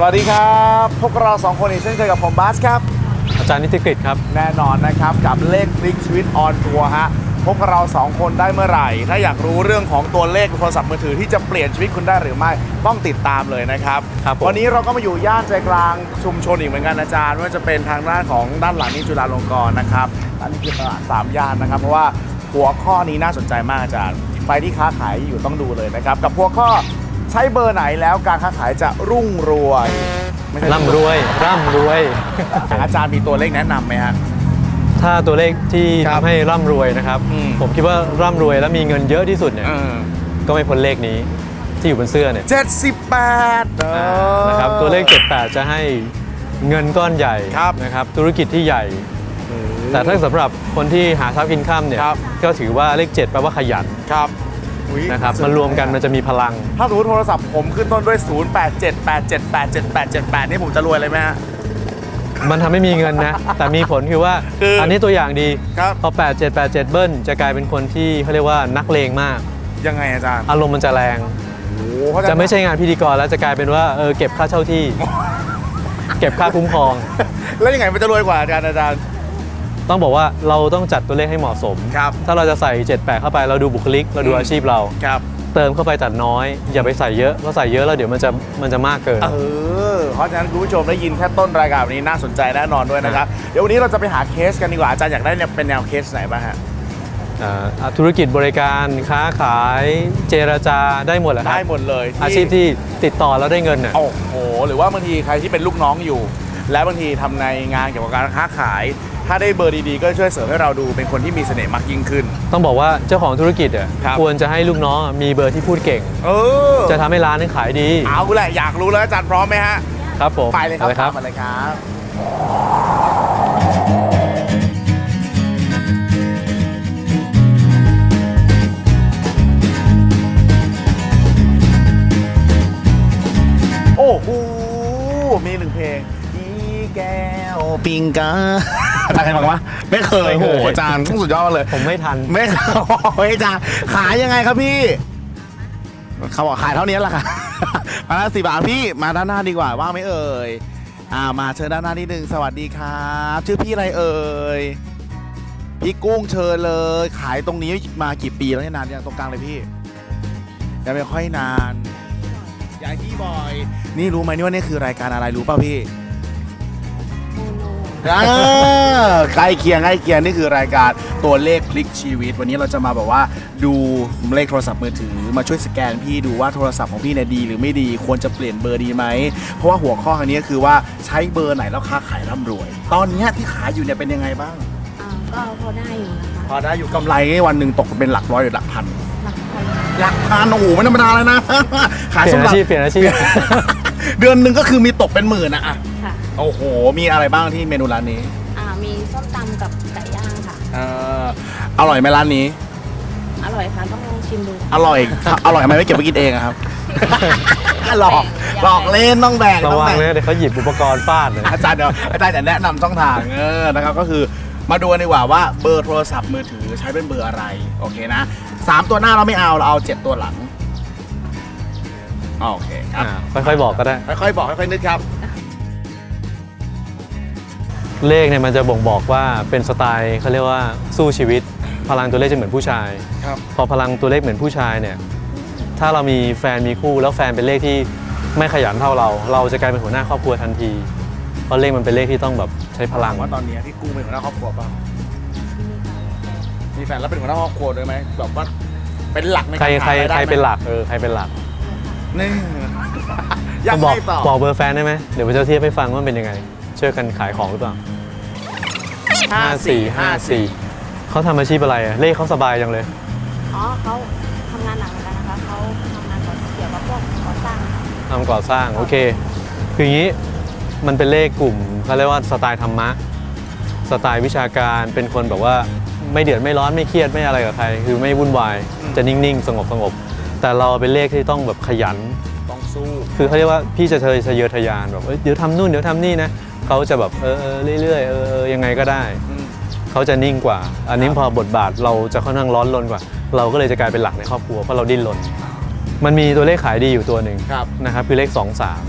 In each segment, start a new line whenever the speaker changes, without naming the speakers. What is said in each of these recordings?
สวัสดีครับพวกเรา2คนอีกเช่นเคยกับผมบาสครับ
อาจารย์นิติกฤตครับ
แน่นอนนะครับกับเลขพลิกชีวิตออนทัวร์ฮะพวกเรา2คนได้เมื่อไหร่ถ้าอยากรู้เรื่องของตัวเลขโทรศัพท์มือถือที่จะเปลี่ยนชีวิตคุณได้หรือไม่ต้องติดตามเลยนะครับวันนี้เราก็มาอยู่ย่านใจกลางชุมชนอีกเหมือนกันอาจารย์ว่าจะเป็นทางด้านของด้านหลังนี้จุฬาลงกรณ์นะครับอันนี้คือตลาด3ย่านนะครับเพราะว่าหัวข้อนี้น่าสนใจมากอาจารย์ใครที่ค้าขายอยู่ต้องดูเลยนะครับกับหัวข้อใช้เบอร์ไหนแล้วการค้าขายจะรุ่งรวย
ร่ำรวย
อาจารย์มีตัวเลขแนะนำไหมฮะ
ถ้าตัวเลขที่ทำให้ร่ำรวยนะครับผมคิดว่าร่ำรวยและมีเงินเยอะที่สุดเนี่ยก็ไม่พ้นเลขนี้ที่อยู่บนเสื้อเนี่ย
78
นะครับตัวเลข78จะให้เงินก้อนใหญ่นะครับธุรกิจที่ใหญ่แต่ถ้าสำหรับคนที่หาเช้ากินค่ำเนี่ยก็ถือว่าเลข7แปลว่าขยันนะครับมันรวมกันมันจะมีพลัง
ถ้าสมมติโทรศัพท์ผมขึ้นต้นด้วย0878787878นี่ผมจะรวยเลยไหมฮะ
มันทำให้มีเงินนะแต่มีผลคือว่าอันนี้ตัวอย่างดีพอ8787เบิ้ลจะกลายเป็นคนที่เขาเรียกว่านักเลงมาก
ยังไงอาจารย์
อารมณ์มันจะแรงจะไม่ใช่งานพิธีกรแล้วจะกลายเป็นว่าเก็บค่าเช่าที่ เก็บค่าคุ้มครอง
แล้วยังไงมันจะรวยกว่าอาจารย์
ต้องบอกว่าเราต้องจัดตัวเลขให้เหมาะสมถ้าเราจะใส่78เข้าไปเราดูบุคลิกเราดูอาชีพเราเติมเข้าไปแต่น้อยอย่าไปใส่เยอะเพราะใส่เยอะแล้วเดี๋ยวมันจะมากเกิน
เพราะฉะนั้นคุณผู้ชมได้ยินแค่ต้นรายการนี้น่าสนใจแน่นอนด้วยนะครับเดี๋ยววันนี้เราจะไปหาเคสกันดีกว่าอาจารย์อยากได้เป็นแนวเคสไหนบ้างฮะ
ธุรกิจบริการค้าขายเจรจาได้หมดแหละครับ
ได้หมดเลย
อาชีพที่ติดต่อแล้วได้เงิน
โอ้โหหรือว่าบางทีใครที่เป็นลูกน้องอยู่และบางทีทำในงานเกี่ยวกับการค้าขายถ้าได้เบอร์ดีๆก็ช่วยเสริมให้เราดูเป็นคนที่มีเสน่ห์มากยิ่งขึ้น
ต้องบอกว่าเจ้าของธุรกิจควรจะให้ลูกน้องมีเบอร์ที่พูดเก่งจะทำให้ร้านนั้นขายดี
เอาแหละอยากรู้แล้วอาจารย์พร้อมไหมฮะ
ครับผม
ไปเลยครับมาเลยครับโอ้โหมี1เพลงแก้วปิงกาอาจารย์เคยฟังปะไม่เคยโหอาจารย์ต้องสุดยอดเลย
ผมไม่ทัน
ไม่อาจารย์ขายยังไงครับพี่เขาบอกขายเท่านี้แหละค่ะมาละ10 บาทพี่มาด้านหน้าดีกว่าว่างไหมเอ่ยมาเชิญด้านหน้านิดนึงสวัสดีครับชื่อพี่อะไรเอ่ยพี่กุ้งเชิญเลยขายตรงนี้มากี่ปีแล้วเนี่ยนานยังตรงกลางเลยพี่ยังไม่ค่อยนานยายพี่บอยนี่รู้ไหมนี่ว่านี่คือรายการอะไรรู้ป่ะพี่ใกล้เคียงนี่คือรายการตัวเลขพลิกชีวิตวันนี้เราจะมาแบบว่าดูเลขโทรศัพท์มือถือมาช่วยสแกนพี่ดูว่าโทรศัพท์ของพี่เนี่ยดีหรือไม่ดีควรจะเปลี่ยนเบอร์ดีไหมเพราะว่าหัวข้อครั้งนี้คือว่าใช้เบอร์ไหนแล้วค้าขายร่ำรวยตอนนี้ที่ขายอยู่เนี่ยเป็นยังไงบ้าง
ก็พอได้อยู่นะคะ
พอได้อยู่กำไรวันหนึ่งตกเป็นหลักร้อยหรือหลักพันโอ้โหไม่ธรรมดาเลยนะ
ขายส้มตำเปลี่ยนอาชีพ
เดือนหนึ่งก็คือมีตกเป็นหมื่นนะโอ้โหมีอะไรบ้างที่เมนูร้านนี้
มีส้มตำกับไก่ย่างค่ะ
อร่อยไหมร้านนี้
อร่อยค่ะต้องลองชิมดู
อร่อยทำไมไม่เก็บไปกินเองครับหลอกเล่นต้องแบ่ง
ระวังเลยเดี๋ยวเขาหยิบอุปกรณ์ฟาดเลย
อาจารย์จะแนะนำช่องทางนะครับก็คือมาดูกันดีกว่าว่าเบอร์โทรศัพท์มือถือใช้เป็นเบอร์อะไรโอเคนะ3ตัวหน้าเราไม่เอาเราเอา7ตัวหลังโอเคครับ
ค่อยๆบอกก็ได้
ค่อยๆบอกค่อยๆนึกครับ
เลขเนี่ยมันจะบ่งบอกว่าเป็นสไตล์เขาเรียกว่าสู้ชีวิตพลังตัวเลขจะเหมือนผู้ชายพอพลังตัวเลขเหมือนผู้ชายเนี่ยถ้าเรามีแฟนมีคู่แล้วแฟนเป็นเลขที่ไม่ขยันเท่าเราจะกลายเป็นหัวหน้าครอบครัวทันทีเพราะเลขมันเป็นเลขที่ต้องแบบใช้พลัง
ว่าตอนนี้ที่กู้เป็นหัวหน้าครอบครัวป่ะมีแฟนแล้วเป็นหัวหน้าครอบครัวด้วยไหมแบบว่าเป็นหลักในการขายได้
ใครเป็นหลักใครเป็นหลัก
นี่
ยังไม่บอกเบอร์แฟนได้ไหมเดี๋ยวผมจะเทียบให้ฟังว่าเป็นยังไงช่วยกันขายของหรือเปล่า5454เขาทำอาชีพอะไรเลขเขาสบายจังเลย
เขาทำงานหนักเหมือนกันนะคะเขาทำงานเกี่ยวกับพวกก่อสร้าง
ทำก่อสร้างโอเคคืออย่างนี้มันเป็นเลขกลุ่มเขาเรียกว่าสไตล์ธรรมะสไตล์วิชาการเป็นคนแบบว่าไม่เดือดไม่ร้อนไม่เครียดไม่อะไรกับใครคือไม่วุ่นวายจะนิ่งๆสงบแต่เราเป็นเลขที่ต้องแบบขยัน
ต้องสู้
คือเขาเรียกว่าพี่จะทะเยอทะยานแบบเดี๋ยวทำนู่นเดี๋ยวทำนี่นะเขาจะแบบเรื่อยๆยังไงก็ได้เขาจะนิ่งกว่าอันนี้พอบทบาทเราจะค่อนข้างร้อนรนกว่าเราก็เลยจะกลายเป็นหลักในครอบครัวเพราะเราดิ้นรนมันมีตัวเลขขายดีอยู่ตัวหนึ่งนะครับคือเลข23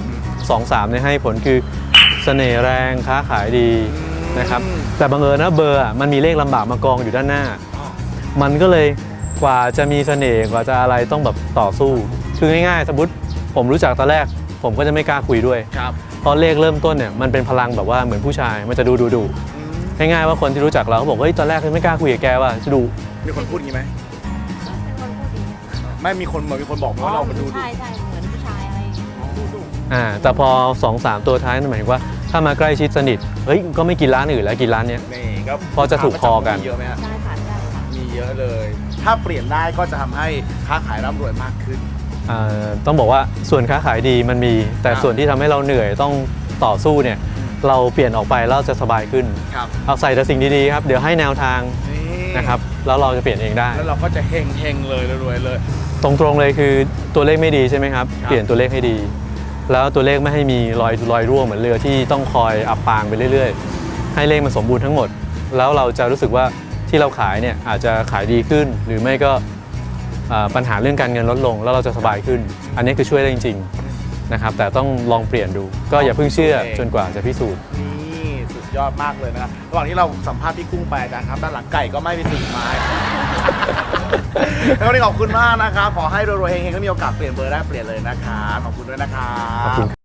2 3เนี่ยให้ผลคือเสน่ห์แรงค้าขายดีนะครับแต่บังเอิญนะเบอร์มันมีเลขลำบากมากองอยู่ด้านหน้า มันก็เลยกว่าจะมีเสน่ห์กว่าจะอะไรต้องแบบต่อสู้คือง่ายๆสมมติผมรู้จักตอนแรกผมก็จะไม่กล้าคุยด้วย
ครับ
เพราะเลขเริ่มต้นเนี่ยมันเป็นพลังแบบว่าเหมือนผู้ชายมันจะดูง่ายๆว่าคนที่รู้จักเราเขาบอกว่าเฮ้ยตอนแรกไม่กล้าคุยกับแกว่าจะดู
มีคนพูดอย่างนี้ไหม
เป็นคนพูดดี
ไม่มีคนบอกไหมว่าเรามาดู
ใช่เหมือนผู้ชายอะไรดุ
แต่พอ 2-3 ตัวท้ายนั่นหมายถึงว่าถ้ามาใกล้ชิดสนิทเฮ้ยก็ไม่กินร้านอื่นแล้วกินร้านเนี้ย
นี่ก็
พอจะถูกคอกัน
มีเยอะไหมฮะ
ได้ค่ะได้ค่ะ
มีเยอะเลย ถ้าเปลี่ยนได้ก็จะทำให้ค้าขายร่ำรวยมากขึ้น
ต้องบอกว่าส่วนค้าขายดีมันมี แต่
ครับ
ส่วนที่ทำให้เราเหนื่อยต้องต่อสู้เนี่ยเราเปลี่ยนออกไปแล้วเราจะสบายขึ้น
ครับ
เอาใส่แต่สิ่งดีๆครับเดี๋ยวให้แนวทาง
นี่
นะครับแล้วเราจะเปลี่ยนเองได้
แล้วเราก็จะเฮงเลยรวยเลย
ตรงๆเลยคือตัวเลขไม่ดีใช่ไหมครับ
ครับ
เปลี่ยนตัวเลขให้ดี แล้วตัวเลขไม่ให้มีรอยรั่วเหมือนเรือที่ต้องคอยอับปางไปเรื่อยๆ ให้เลขมันสมบูรณ์ทั้งหมด แล้วเราจะรู้สึกว่าที่เราขายเนี่ยอาจจะขายดีขึ้น หรือไม่ก็ปัญหาเรื่องการเงินลดลง แล้วเราจะสบายขึ้น อันนี้คือช่วยได้จริงๆนะครับแต่ต้องลองเปลี่ยนดู ก็อย่าเพิ่งเชื่อจนกว่าจะพิสูจน์
นี่สุดยอดมากเลยนะครับระหว่างที่เราสัมภาษณ์พี่กุ้งไปนะครับด้านหลังไก่ก็ไม่ไปถึงไม้ แล้ววันนี้ขอบคุณมากนะครับขอให้รวยๆเฮงๆแล้วมีโอกาสเปลี่ยนเบอร์ได้เปลี่ยนเลยนะครับขอบคุณด้วยนะครับ
ขอบคุณ